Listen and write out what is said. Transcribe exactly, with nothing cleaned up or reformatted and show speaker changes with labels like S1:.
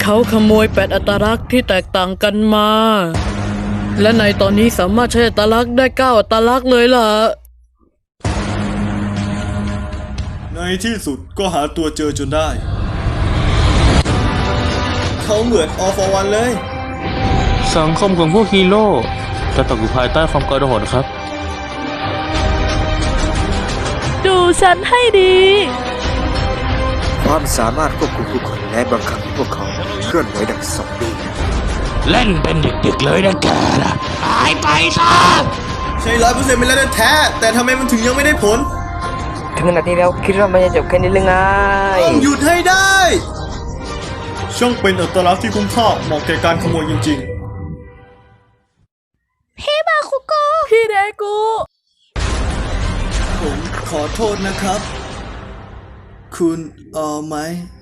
S1: เขาขโมยแปดอัตลักษณ์ที่แตกต่างกันมา และในตอนนี้สามารถใช้อัตลักษณ์ได้เก้าอัตลักษณ์เลยล่ะ
S2: ในที่สุดก็หาตัวเจอจนได้เขาเหมือนออฟวันเลย
S3: สังคมของพวกฮีโร่จะตกอยู่ภายใต้ความกระโดดครับ
S4: ดูฉันให้ดี
S5: ความสามารถควบคุมผู้คนและบังคับให้พวกเขาเคลื่อนไหวดังซอมบี้
S3: เล่นเป็นเด็กๆเลยนะแกนะหายไปซะ
S2: ใช่ร้อยเปอร์เซ็นต์เป็นแล้วแท้แต่ทำไมมันถึงยังไม่ได้ผล
S5: ถึงขนาดนี้แล้วคิดว่ามันจะจบแค่นี้หรือไง
S2: ต้องหยุดให้ได้ช่างเป็นอัตลักษณ์ที่คุ้มค่าเหมาะแก่การขโมยจริงๆ
S4: พี่มาคุโกพี่เดกู
S2: ผมขอโทษนะครับ คุณเอาไหม